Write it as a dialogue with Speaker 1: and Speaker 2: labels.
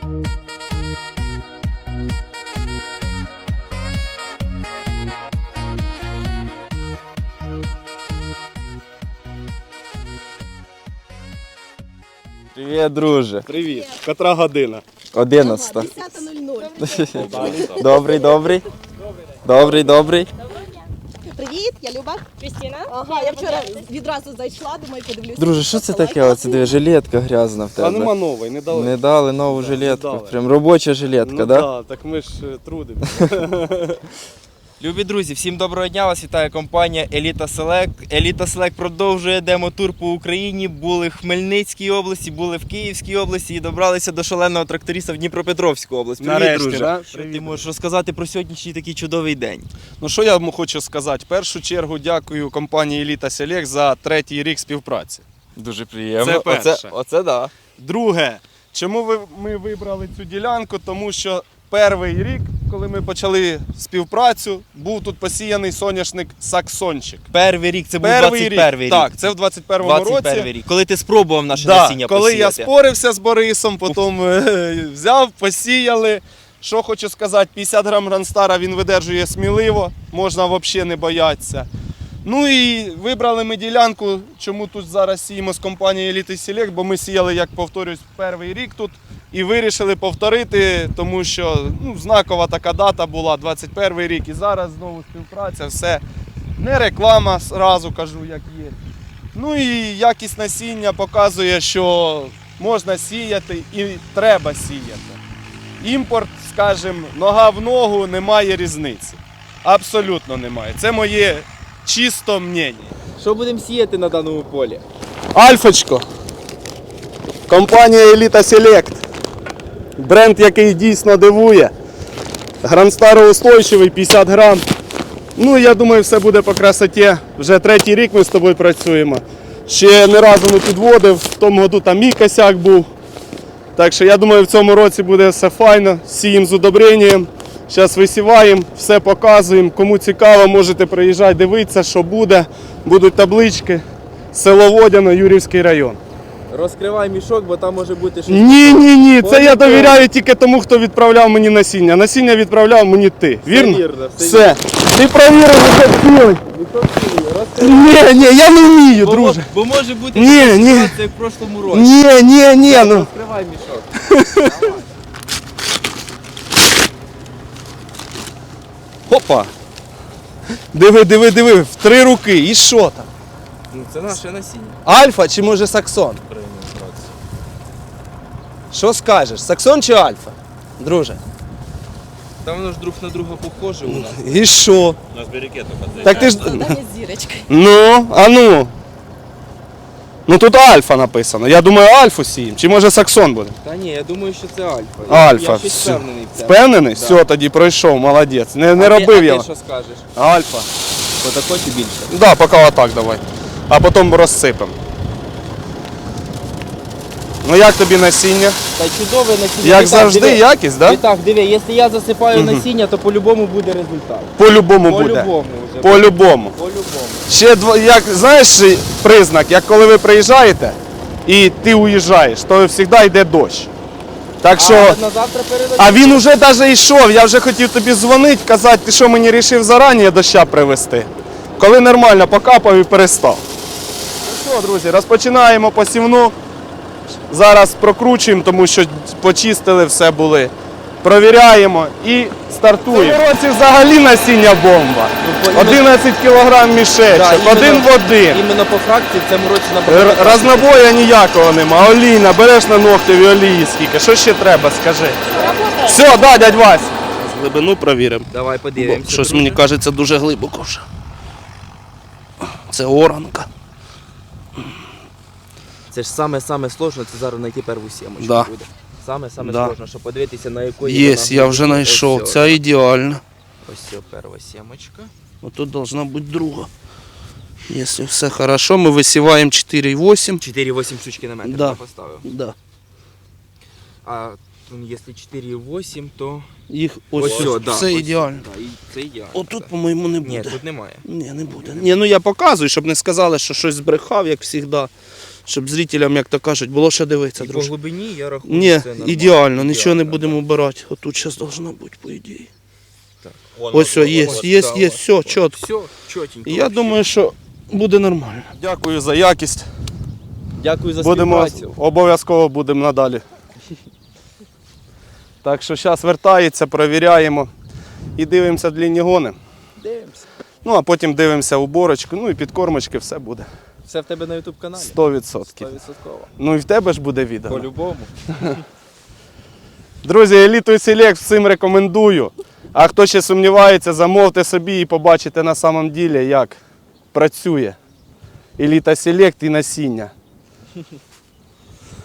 Speaker 1: Привіт, друже.
Speaker 2: Привіт. Котра година?
Speaker 1: 11.
Speaker 3: 10:00.
Speaker 1: Добрий.
Speaker 3: Привіт, я Люба.
Speaker 4: Крістіна.
Speaker 3: Ага, я вчора відразу зайшла, думаю, подивлюся.
Speaker 1: Друже, що це таке? Оце диви, жилетка грязна в
Speaker 2: А нема
Speaker 1: тебе.
Speaker 2: нової, не дали.
Speaker 1: Не дали нову жилетку.
Speaker 2: дали.
Speaker 1: Прям робоча жилетка,
Speaker 2: Ну
Speaker 1: да?
Speaker 2: да, так ми ж трудимо.
Speaker 1: Любі друзі, всім доброго дня, вас вітає компанія Еліта Селект. Еліта Селект продовжує демо-тур по Україні. Були в Хмельницькій області, були в Київській області і добралися до шаленого тракториста в Дніпропетровську область. Привіт,
Speaker 2: Нарешті,
Speaker 1: друже.
Speaker 2: да?
Speaker 1: Що ти можеш розказати про сьогоднішній такий чудовий день?
Speaker 2: Ну що я вам хочу сказати? В першу чергу дякую компанії Еліта Селект за 3-й рік співпраці.
Speaker 1: Дуже приємно.
Speaker 2: Це перше.
Speaker 1: Оце да.
Speaker 2: Друге, чому ми вибрали цю ділянку? Тому що перший рік, коли ми почали співпрацю, був тут посіяний соняшник Саксончик.
Speaker 1: Перший рік, це був
Speaker 2: Перший
Speaker 1: 21-й рік.
Speaker 2: Так, це в 21-му році.
Speaker 1: 21-й рік. Коли ти спробував наше
Speaker 2: Да,
Speaker 1: насіння
Speaker 2: коли
Speaker 1: посіяти.
Speaker 2: я спорився з Борисом, потім взяв, посіяли. Що хочу сказати, 50 грам Гранстара він видержує сміливо, можна взагалі не боятися. Ну і вибрали ми ділянку, чому тут зараз сіємо з компанією Elite Select, бо ми сіяли, як повторюсь, перший рік тут і вирішили повторити, тому що знакова така дата була, 21 рік, і зараз знову співпраця, все. Не реклама, зразу кажу, як є. Ну і якість насіння показує, що можна сіяти і треба сіяти. Імпорт, скажімо, нога в ногу, немає різниці. Абсолютно немає. Це моє чисто мнення.
Speaker 1: Що будемо сіяти на даному полі?
Speaker 2: Альфочко. Компанія Elite Select. Бренд, який дійсно дивує. Гранстароустойчивий, 50 грам. Ну, я думаю, все буде по красоті. Вже 3-й рік ми з тобою працюємо. Ще не разу не підводив, в тому году там мій косяк був. Так що я думаю, в цьому році буде все файно. Сіємо з удобренням. Зараз висіваємо, все показуємо. Кому цікаво, можете приїжджати, дивитися, що буде. Будуть таблички. Село Водяно, Юрівський район.
Speaker 1: Розкривай мішок, бо там може бути щось.
Speaker 2: Ні. Це я довіряю тільки тому, хто відправляв мені насіння. Насіння відправляв мені ти. Вірно?
Speaker 1: вірно, все
Speaker 2: Все. Ти провірив, вже цілий. Ні, я не вмію, друже.
Speaker 1: Бо може бути
Speaker 2: Ні,
Speaker 1: така
Speaker 2: ні.
Speaker 1: ситуація, як в прошлому році.
Speaker 2: Ні, ну.
Speaker 1: Розкривай мішок.
Speaker 2: Опа. Диви, в 3 руки. І що там?
Speaker 1: Ну, це наше насіння.
Speaker 2: Альфа чи може Саксон? Що скажеш? Саксон чи Альфа? Друже.
Speaker 1: Там воно ж друг на друга похоже у нас.
Speaker 2: І що?
Speaker 5: У нас берекет только
Speaker 2: Так ти ж.
Speaker 3: Завдання з зірочкою.
Speaker 2: Ну, а ну. Ну тут Альфа написано. Я думаю, Альфу сіємо. Чи може Саксон буде?
Speaker 1: Та ні, я думаю, що це альфа.
Speaker 2: Альфа,
Speaker 1: Я щось
Speaker 2: все.
Speaker 1: впевнений в цьому.
Speaker 2: Впевнений?
Speaker 1: Да.
Speaker 2: Все, тоді пройшов, молодець. Не
Speaker 1: А
Speaker 2: робив
Speaker 1: ти,
Speaker 2: я.
Speaker 1: А ти що скажеш?
Speaker 2: Альфа.
Speaker 1: Отако чи більше?
Speaker 2: Да, поки отак давай. А потім розсипемо. Ну як тобі насіння?
Speaker 1: Та чудове насіння.
Speaker 2: Як
Speaker 1: І так,
Speaker 2: завжди,
Speaker 1: диви.
Speaker 2: якість,
Speaker 1: І
Speaker 2: да?
Speaker 1: так, диви, якщо я засипаю насіння, то по-любому буде результат.
Speaker 2: По-любому буде.
Speaker 1: По-любому вже.
Speaker 2: По-любому.
Speaker 1: По-любому.
Speaker 2: Ще як знаєш признак, як коли ви приїжджаєте і ти уїжджаєш, то завжди йде дощ. Так що,
Speaker 1: А на завтра переведу.
Speaker 2: а він уже навіть йшов, я вже хотів тобі дзвонити, казати, ти що мені вирішив зарані доща привезти. Коли нормально покапав і перестав. Ну що, друзі, розпочинаємо посівну. Зараз прокручуємо, тому що почистили, все були. Провіряємо і стартуємо. В цьому році взагалі насіння бомба. 11 кг мішечок, один в один.
Speaker 1: Іменно по фракції в цьому році набагато.
Speaker 2: Рознобоя ніякого нема. Олійна, береш на ногтеві олії скільки. Що ще треба, скажи. Все, да, дядь Вась. Глибину провіримо.
Speaker 1: Давай подивимося.
Speaker 2: Щось
Speaker 1: друже.
Speaker 2: мені кажеться дуже глибоко вже. Це оранка.
Speaker 1: Це ж саме сложне, це зараз знайти перву сімочку
Speaker 2: Да.
Speaker 1: буде. Саме
Speaker 2: Да.
Speaker 1: сложне, щоб подивитися, на якої
Speaker 2: Є,
Speaker 1: вона
Speaker 2: я вже
Speaker 1: глибини.
Speaker 2: знайшов.
Speaker 1: Ось
Speaker 2: Ця ідеальна.
Speaker 1: Ось перша сімочка.
Speaker 2: Тут должна бути друга. Якщо все хорошо, ми висіваємо 4,8.
Speaker 1: 4,8 штучки на метр
Speaker 2: Да.
Speaker 1: я поставив.
Speaker 2: Да.
Speaker 1: А якщо 4,8, то
Speaker 2: Їх ось,
Speaker 1: сьо, да,
Speaker 2: все
Speaker 1: ось,
Speaker 2: ідеально.
Speaker 1: Да, і це ідеально.
Speaker 2: Отут,
Speaker 1: так.
Speaker 2: по-моєму, не
Speaker 1: Ні,
Speaker 2: буде.
Speaker 1: тут немає.
Speaker 2: Ні, не буде. Ні, ну я показую, щоб не сказали, що щось збрехав, як завжди. щоб зрителям, як то кажуть, було що дивитися,
Speaker 1: І по
Speaker 2: друже.
Speaker 1: глибині я рахую,
Speaker 2: Ні,
Speaker 1: це нормально.
Speaker 2: ідеально, нічого не
Speaker 1: так.
Speaker 2: будемо обирати. Отут зараз должно бути, по ідеї.
Speaker 4: Вон,
Speaker 2: Ось все, є, є,
Speaker 1: да,
Speaker 2: є,
Speaker 1: ось,
Speaker 2: все, чітко.
Speaker 1: Все, чотенько.
Speaker 2: І я
Speaker 1: вообще.
Speaker 2: думаю, що буде нормально. Дякую за якість.
Speaker 1: Дякую за
Speaker 2: Будемо,
Speaker 1: співпрацю.
Speaker 2: обов'язково будемо надалі. Так що зараз вертається, перевіряємо і дивимося длінні гони.
Speaker 1: Дивимося.
Speaker 2: Ну а потім дивимося уборочку, ну і підкормочки, все буде.
Speaker 1: Все в тебе на YouTube каналі?
Speaker 2: 100%.
Speaker 1: 100%.
Speaker 2: Ну і в тебе ж буде відео.
Speaker 1: По-любому.
Speaker 2: Друзі, Еліту Select всім рекомендую. А хто ще сумнівається, замовте собі і побачите на самом ділі, як працює Еліта Select і насіння.